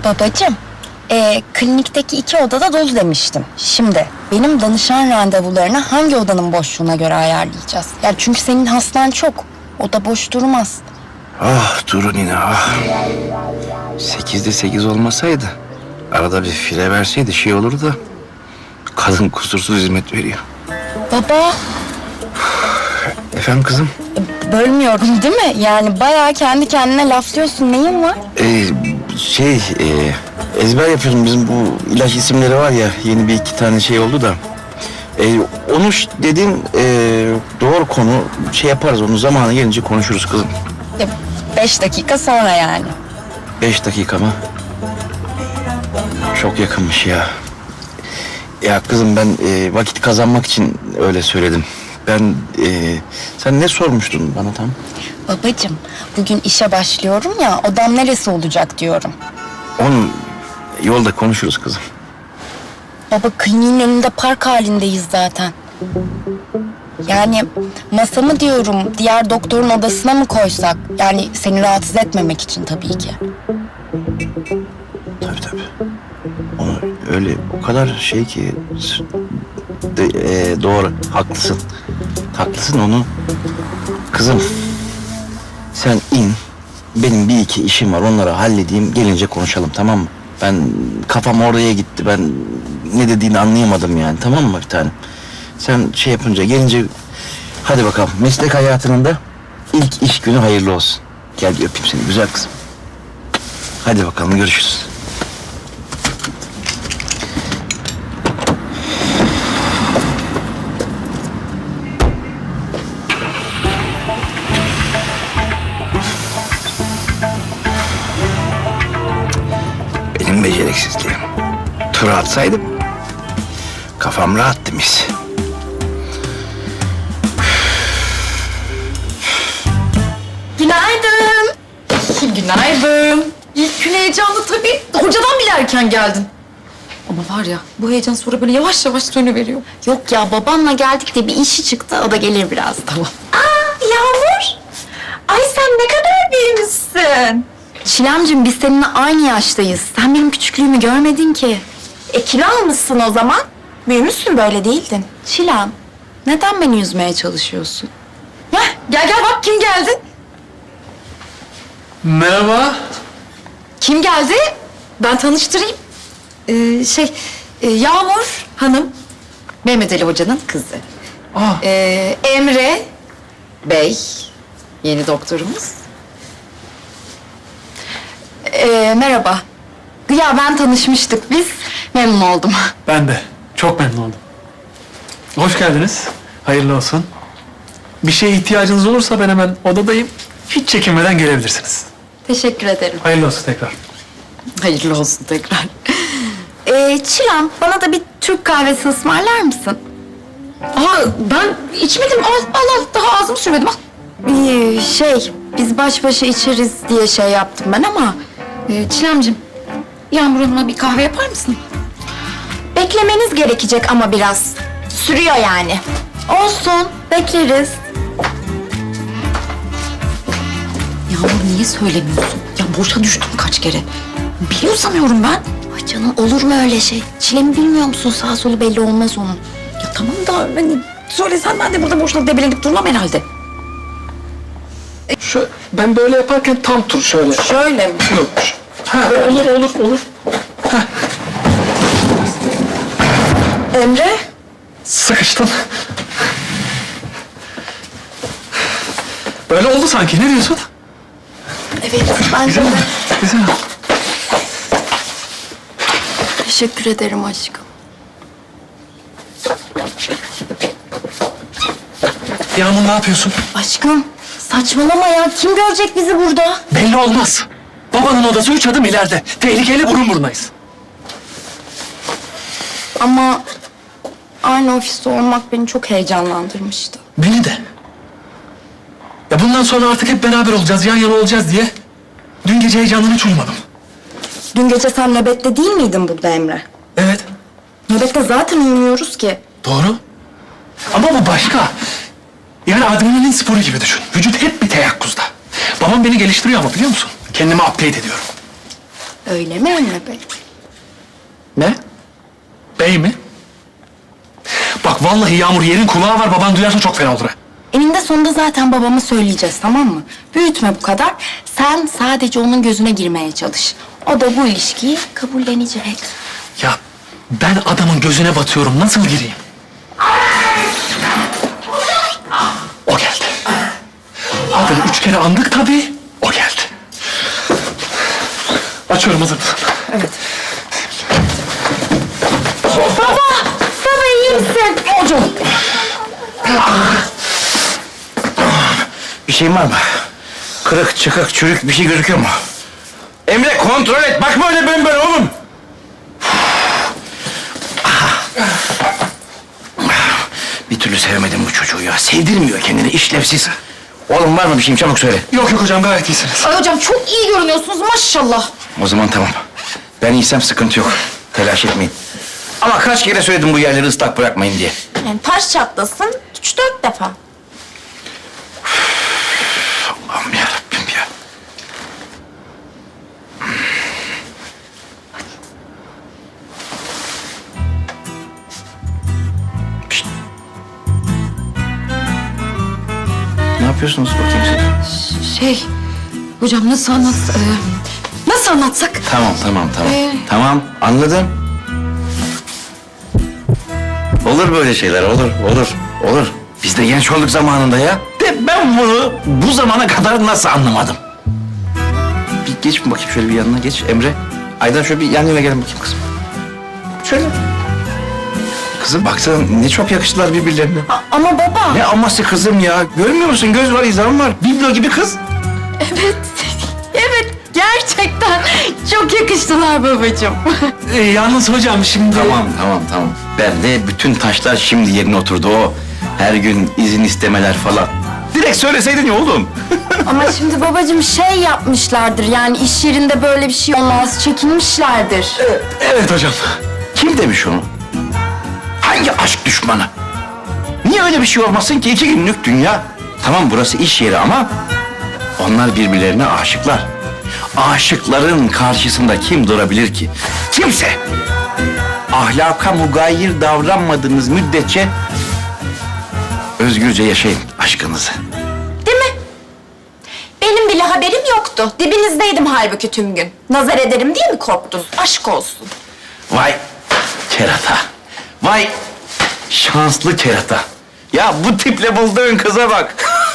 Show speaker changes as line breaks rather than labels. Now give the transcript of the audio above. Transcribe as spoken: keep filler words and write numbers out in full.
Babacığım, e, klinikteki iki odada dolu demiştim. Şimdi benim danışan randevularını hangi odanın boşluğuna göre ayarlayacağız? Ya çünkü senin hastan çok. Oda boş durmaz.
Ah durun yine ah. Sekizde sekiz olmasaydı, arada bir fire verseydi şey olurdu da. Kadın kusursuz hizmet veriyor.
Baba,
Efendim kızım?
e, bölmüyorum değil mi? Yani bayağı kendi kendine laflıyorsun. Neyin var?
Ee, şey, e, ezber yapıyorum. Bizim bu ilaç isimleri var ya, yeni bir iki tane şey oldu da. E, onu ş- dediğin e, doğru konu, şey yaparız, onu zamanı gelince konuşuruz kızım.
E, beş dakika sonra yani.
Beş dakika mı? Çok yakınmış ya. Ya kızım ben e, vakit kazanmak için öyle söyledim. Ben, e, sen ne sormuştun bana tam?
Babacığım, bugün işe başlıyorum ya, odam neresi olacak diyorum.
Onu yolda konuşuruz kızım.
Baba, kliniğin önünde park halindeyiz zaten. Yani masamı diyorum, diğer doktorun odasına mı koysak? Yani seni rahatsız etmemek için tabii ki.
Tabii tabii. Onu öyle o kadar şey ki de, e, doğru, haklısın. Haklısın onu. Kızım sen in. Benim bir iki işim var, onları halledeyim, gelince konuşalım, tamam mı? Ben kafam oraya gitti, ben ne dediğini anlayamadım yani, tamam mı bir tanem? Sen şey yapınca gelince hadi bakalım, meslek hayatının da ilk iş günü hayırlı olsun. Gel bir öpeyim seni güzel kızım. Hadi bakalım, görüşürüz. Benim beceriksizliğim. Tura atsaydım kafam rahattı mis.
Günaydın. Günaydın. İlk gün heyecanlı tabii. Hocadan bile erken geldin. Ama var ya, bu heyecan sonra böyle yavaş yavaş sönüveriyor.
Yok ya, babamla geldik de bir işi çıktı, o da gelir biraz.
Tamam.
Aa, Yağmur. Ay sen ne kadar büyümüşsün.
Çilemciğim, biz seninle aynı yaştayız. Sen benim küçüklüğümü görmedin ki.
E kilo almışsın o zaman. Büyümüşsün, böyle değildin.
Çilem, neden beni üzmeye çalışıyorsun?
Heh, gel gel bak kim geldi.
Merhaba.
Kim geldi? Ben tanıştırayım. Ee, şey, e, Yağmur Hanım. Mehmet Ali Hoca'nın kızı.
Aa,
Ee, Emre Bey, yeni doktorumuz.
Ee, merhaba. Ya ben tanışmıştık biz. Memnun oldum.
ben de. Çok memnun oldum. Hoş geldiniz. Hayırlı olsun. Bir şeye ihtiyacınız olursa ben hemen odadayım. Hiç çekinmeden gelebilirsiniz.
Teşekkür ederim.
Hayırlı olsun tekrar.
Hayırlı olsun tekrar.
Ee, Çilem, bana da bir Türk kahvesi ısmarlar mısın?
Aa, ben içmedim. Al, al, al. Daha ağzımı sürmedim. Al.
Ee, şey, biz baş başa içeriz diye şey yaptım ben ama...
Ee, Çilemciğim, Yağmur Hanım'a bir kahve yapar mısın?
Beklemeniz gerekecek ama biraz. Sürüyor yani.
Olsun, bekleriz.
Yağmur niye söylemiyorsun? Ya boşa düştüm kaç kere. Biliyor sanıyorum ben.
Ay canım, olur mu öyle şey? Çilem'i bilmiyor musun? Sağ solu belli olmaz onun.
Ya tamam da hani söylesen ben de burada boşuna debelenip durmam herhalde.
Şu, ben böyle yaparken tam tur şöyle.
Şöyle mi?
Yok. Ha, olur olur olur.
Emre?
Sıkıştın. Böyle oldu sanki. Ne diyorsun?
Evet, ben
Güzel
de.
mi? Güzel.
Teşekkür ederim aşkım.
Yağmur ne yapıyorsun?
Aşkım, saçmalama ya. Kim görecek bizi burada?
Belli olmaz. Babanın odası üç adım ileride. Tehlikeli, burun burunayız.
Ama aynı ofiste olmak beni çok heyecanlandırmıştı.
Beni de. Ya bundan sonra artık hep beraber olacağız, yan yana olacağız diye. Dün gece heyecandan hiç uyumadım.
Dün gece sen nöbette değil miydin burada Emre?
Evet,
Nöbette zaten uyumuyoruz ki.
doğru. Ama bu başka. Yani adrenalin sporu gibi düşün. Vücut hep bir teyakkuzda. Babam beni geliştiriyor ama biliyor musun? Kendimi upgrade ediyorum.
Öyle mi Emre Bey?
Ne?
Bey mi? Bak vallahi Yağmur yerin kulağı var. Baban duyarsa çok fena olur ha.
Eninde sonunda zaten babama söyleyeceğiz, tamam mı? Büyütme bu kadar. Sen sadece onun gözüne girmeye çalış. O da bu ilişkiyi kabullenecek.
Ya ben adamın gözüne batıyorum. Nasıl gireyim? O geldi. Adını üç kere andık tabii. O geldi. Açıyorum, hazır mısın?
Baba iyi misin?
Hocam.
Bir şeyin var mı? Kırık, çıkık, çürük bir şey gözüküyor mu? Emre kontrol et. Bakma öyle ben böyle oğlum. Bir türlü sevemedim bu çocuğu ya. Sevdirmiyor kendini, işlevsiz. Oğlum var mı bir şeyim? Çabuk söyle.
Yok yok hocam, gayet iyisiniz.
Ay hocam çok iyi görünüyorsunuz maşallah.
O zaman tamam. Ben iyiysem sıkıntı yok. Telaş etmeyin. Ama kaç kere söyledim bu yerleri ıslak bırakmayın diye.
Yani taş çatlasın üç dört defa.
Allah'ım yarabbim ya. Pişt. Ne yapıyorsunuz bakayım siz?
Şey hocam nasıl anlat... e, nasıl anlatsak?
Tamam, tamam, tamam.
Ee?
Tamam, anladım. Olur böyle şeyler, olur, olur, olur. Biz de genç olduk zamanında ya. De ben bunu bu zamana kadar nasıl anlamadım? Bir geç mi bakayım şöyle bir yanına geç Emre. Aydan şöyle bir yan yana gelin bakayım kızım. Şöyle. Kızım baksana ne çok yakıştılar birbirlerine.
Ama baba...
Ne aması kızım ya. Görmüyor musun? Göz var, izan var. Biblo gibi kız.
Evet, evet. Gerçekten çok yakıştılar babacığım.
Ee, yalnız hocam şimdi...
Tamam, tamam, tamam. Ben de bütün taşlar şimdi yerine oturdu o. Her gün izin istemeler falan. Direkt söyleseydin ya oğlum.
Ama şimdi babacığım şey yapmışlardır. Yani iş yerinde böyle bir şey olmaz. Çekinmişlerdir.
Evet hocam.
Kim demiş onu? Hangi aşk düşmanı? Niye öyle bir şey olmasın ki? İki günlük dünya. Tamam burası iş yeri ama onlar birbirlerine aşıklar. Aşıkların karşısında kim durabilir ki? Kimse. Ahlaka mugayir davranmadığınız müddetçe özgürce yaşayın aşkınızı.
Değil mi? Benim bile haberim yoktu. Dibinizdeydim halbuki tüm gün. Nazar ederim diye mi korktunuz? Aşk olsun.
Vay kerata. Vay şanslı kerata. Ya bu tiple bulduğun kıza bak.